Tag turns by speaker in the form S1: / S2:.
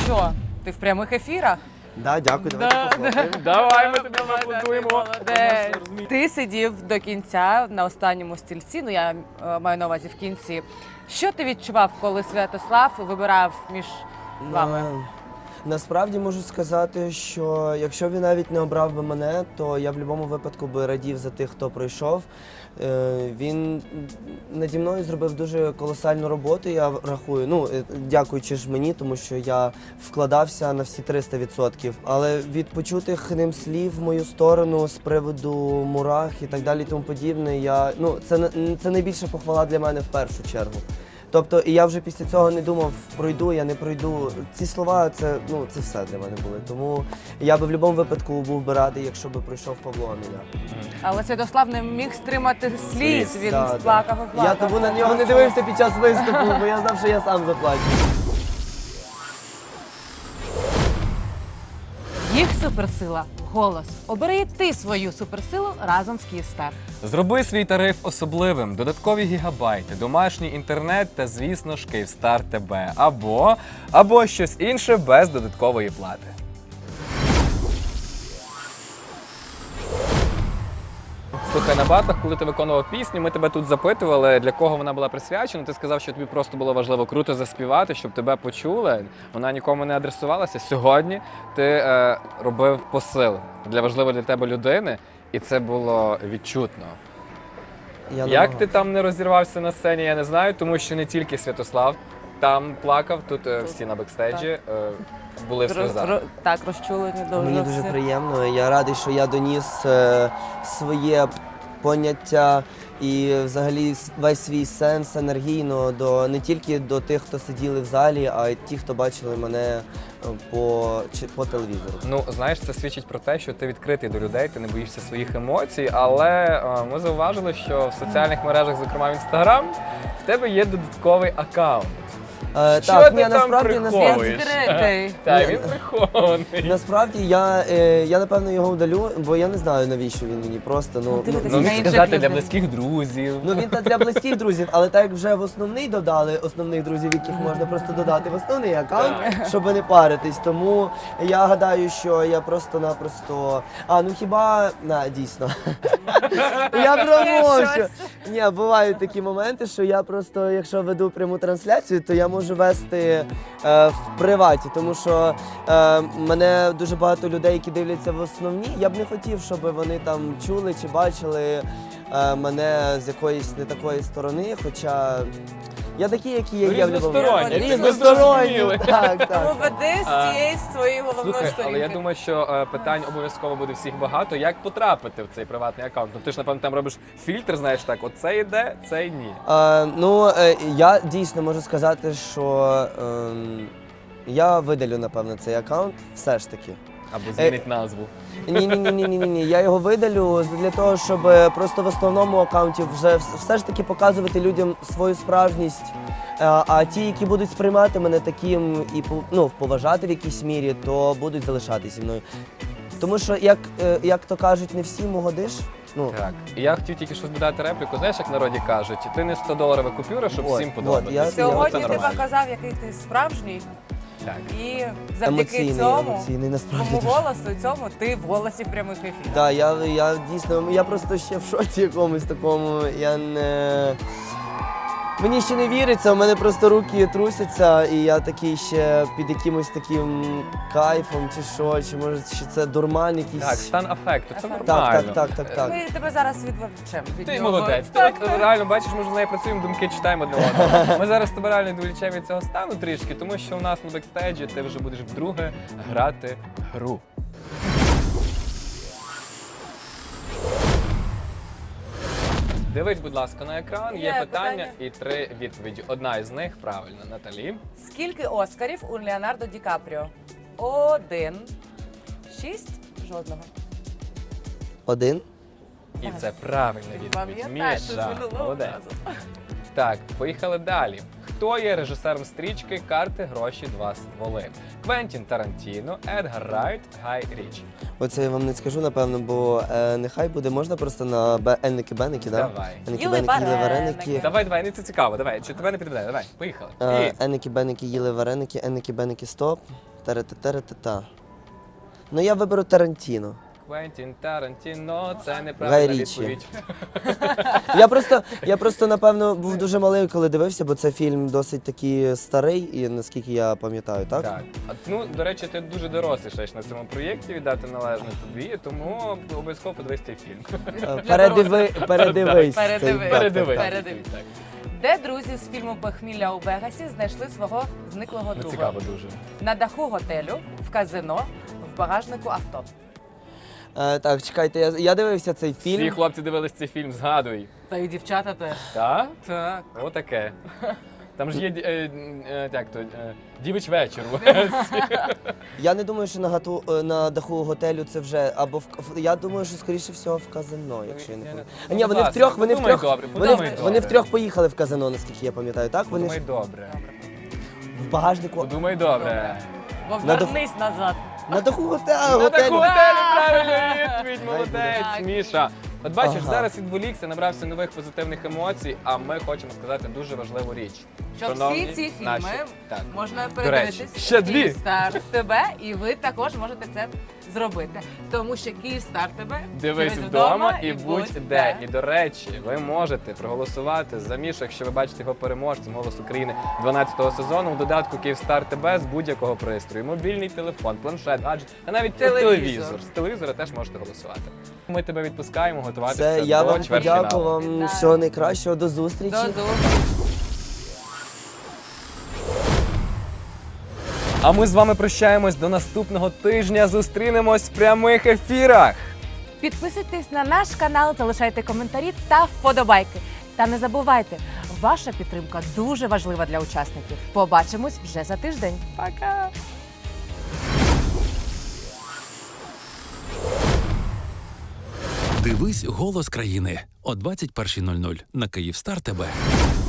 S1: що, ти в прямих ефірах?
S2: Да, дякую, давайте поговоримо.
S3: Давай, ми тобі аплодуємо.
S1: Молодець. Ти сидів до кінця на останньому стільці, ну я маю на увазі в кінці. Що ти відчував, коли Святослав вибирав між вами?
S2: Насправді можу сказати, що якщо він навіть не обрав би мене, то я в будь-якому випадку би радів за тих, хто пройшов. Він наді мною зробив дуже колосальну роботу, я рахую. Ну, дякуючи ж мені, тому що я вкладався на всі 300%. Але від почутих ним слів в мою сторону з приводу мурах і так далі, і тому подібне, це найбільша похвала для мене в першу чергу. Тобто, і я вже після цього не думав, пройду, я не пройду. Ці слова, це все для мене були. Тому я би в будь-якому випадку був би радий, якщо би пройшов Павло, а не я.
S1: Але Святослав не міг стримати сліз, він
S2: Да,
S1: плакав і плакав.
S2: Я тому на нього не дивився під час виступу, бо я знав, що я сам заплачу.
S1: Їх суперсила – голос. Обери і ти свою суперсилу разом з Київстар.
S3: Зроби свій тариф особливим, додаткові гігабайти, домашній інтернет та, звісно ж, Київстар ТБ. Або щось інше без додаткової плати. Слухай, на батах, коли ти виконував пісню, ми тебе тут запитували, для кого вона була присвячена. Ти сказав, що тобі просто було важливо круто заспівати, щоб тебе почули. Вона нікому не адресувалася. Сьогодні ти робив посил для важливої для тебе людини, і це було відчутно. Як ти там не розірвався на сцені, я не знаю, тому що не тільки Святослав там плакав, тут всі на бекстейджі були в сльозах.
S1: Так, розчулені дуже.
S2: Мені дуже
S1: всі.
S2: приємно. Я радий, що я доніс своє поняття і взагалі весь свій сенс енергійно не тільки до тих, хто сиділи в залі, а й ті, хто бачили мене по телевізору.
S3: Ну, знаєш, це свідчить про те, що ти відкритий до людей, ти не боїшся своїх емоцій, але ми зауважили, що в соціальних мережах, зокрема в Інстаграм, в тебе є додатковий аккаунт.
S2: Так,
S3: ти там
S2: насправді
S3: приховуєш?
S1: Відкритий.
S3: Так, він прихований.
S2: Насправді я напевно його удалю, бо я не знаю, навіщо він мені просто.
S1: дивитися
S3: Ну,
S1: на
S3: міг
S1: інших
S3: сказати для
S1: людей.
S3: близьких друзів.
S2: Ну він та для близьких друзів, але так як вже в основний додали основних друзів, яких можна просто додати в основний аккаунт, щоб не паритись. Тому я гадаю, що я просто-напросто. Дійсно. Я промовчу. Ні, бувають такі моменти, що я просто, якщо веду пряму трансляцію, то я можу вести в приваті, тому що мене дуже багато людей, які дивляться в основній, я б не хотів, щоб вони там чули чи бачили мене з якоїсь не такої сторони, хоча я такий, який є.
S3: Різносторонній, ти
S2: Різносторонній.
S3: зрозумілий.
S2: Так.
S1: Тому веди з цієї своєї головної
S3: Слухай,
S1: сторінки.
S3: але я думаю, що питань обов'язково буде всіх багато. Як потрапити в цей приватний аккаунт? Ну ти ж, напевно, там робиш фільтр, знаєш так, оце йде, цей ні.
S2: Я дійсно можу сказати, що я видалю, напевно, цей аккаунт все ж таки.
S3: Або змінить назву.
S2: Ні. Я його видалю для того, щоб просто в основному аккаунті вже все ж таки показувати людям свою справжність. А ті, які будуть сприймати мене таким і поважати в якійсь мірі, то будуть залишатися зі мною. Тому що, як то кажуть, не всім угодиш.
S3: Так. І я хотів тільки щось додати репліку. Знаєш, як в народі кажуть, ти не 100-доларова купюра, щоб всім подобатися.
S1: Сьогодні
S3: Це
S1: ти
S3: нормально.
S1: показав, який ти справжній.
S3: Так.
S1: І завдяки
S2: Емоційний, насправді.
S1: тому
S2: дуже.
S1: голосу, цьому ти в голосі прямих ефірів.
S2: Так, я дійсно, я просто ще в шоці якомусь такому, Мені ще не віриться, у мене просто руки трусяться, і я такий ще під якимось таким кайфом, чи що, чи може ще це дурман якийсь.
S3: Так, стан афекту, це нормально.
S2: Так.
S1: Ми тебе зараз відволічемо. від
S3: Ти
S1: нього.
S3: молодець. Ти от реально бачиш, ми ж з нею працюємо, думки читаємо одне одного. Ми зараз тебе реально відволічемо від цього стану трішки, тому що у нас на бекстейджі ти вже будеш вдруге грати гру. Дивись, будь ласка, на екран, є питання і 3 відповіді. Одна із них правильна. Наталі.
S1: Скільки Оскарів у Леонардо Ді Капріо? 1. 6? Жодного.
S2: 1.
S3: І це правильна відповідь.
S1: Пам'ятаєш, що
S3: Міша,
S1: з минулого
S3: молодець.
S1: разу.
S3: Так, поїхали далі. Хто є режисером стрічки «Карти, гроші, два стволи»? Квентін Тарантіно, Едгар Райт, Гай Річі.
S2: Оце я вам не скажу, напевно, бо нехай буде, можна просто на енники-беники, да?
S3: Давай.
S2: Енники-беники, їли вареники.
S3: Давай, не це цікаво, давай, чи тебе не підведе, давай, поїхали. І
S2: Енники-беники, їли вареники, енники-беники, стоп. Та-ра-та-та-ра-та-та. Ну, я виберу Тарантіно.
S3: Квентін Тарантіно, це
S2: Гай
S3: неправильна
S2: Річі.
S3: відповідь.
S2: Я просто, напевно, був дуже малий, коли дивився, бо це фільм досить такий старий, і наскільки я пам'ятаю, так?
S3: Так. Ну, до речі, ти дуже дорослий ще на цьому проєкті, віддати належне тобі, тому обов'язково подивись цей фільм.
S2: Передивись.
S1: Передивись.
S2: цей- так,
S3: Передивись.
S2: так, так.
S1: Передивись. Де друзі з фільму «Похмілля у Вегасі» знайшли свого зниклого
S3: Ну,
S1: друга?
S3: цікаво дуже.
S1: На даху готелю, в казино, в багажнику авто.
S2: Так, чекайте, я дивився цей
S3: Всі
S2: фільм.
S3: хлопці дивились цей фільм, згадуй.
S1: Та і дівчата теж.
S3: Так?
S1: Так.
S3: Отаке. Там ж є дівич вечір.
S2: Я не думаю, що на даху готелю це вже або я думаю, що скоріше всього в казино, якщо я не помиляюсь. Ні, вони
S3: Будь
S2: втрьох,
S3: ласка,
S2: вони
S3: подумай
S2: втрьох,
S3: добре,
S2: вони,
S3: подумай
S2: вони
S3: добре.
S2: втрьох поїхали в казино, наскільки я пам'ятаю, так? Вони ж
S3: Подумай добре.
S2: в багажнику.
S3: Подумай добре.
S1: Бо
S2: На даху-
S1: вернись назад.
S2: На даху
S3: На
S2: готелю.
S3: таку готелі правильно відповідь, молодець,
S1: Так.
S3: Міша. От бачиш,
S2: Ага.
S3: зараз відволікся, набрався нових позитивних емоцій, а ми хочемо сказати дуже важливу річ.
S1: Щоб
S3: Шановні
S1: всі ці фільми
S3: наші- так.
S1: можна
S3: речі,
S1: передивитись
S3: ще дві.
S1: Київстар тебе, і ви також можете це зробити. Тому що Київстар тебе
S3: Дивись вдома і будь де. І до речі, ви можете проголосувати за Мішу, якщо ви бачите його переможцем «Голос України» 12-го сезону в додатку «Київстар ТБ» з будь-якого пристрою. Мобільний телефон, планшет, гаджет, а навіть
S1: Телевізор.
S3: телевізор. З телевізора теж можете голосувати. Ми тебе відпускаємо готуватися
S2: Це я
S3: до
S2: вам
S3: чвертьфіналу.
S2: подякую, вам
S1: Так.
S2: всього найкращого, до зустрічі.
S1: До зустрічі.
S3: А ми з вами прощаємось до наступного тижня. Зустрінемось в прямих ефірах.
S1: Підписуйтесь на наш канал, залишайте коментарі та вподобайки. Та не забувайте, ваша підтримка дуже важлива для учасників. Побачимось вже за тиждень. Пока!
S4: Дивись «Голос країни» о 21:00 на Київстар ТБ.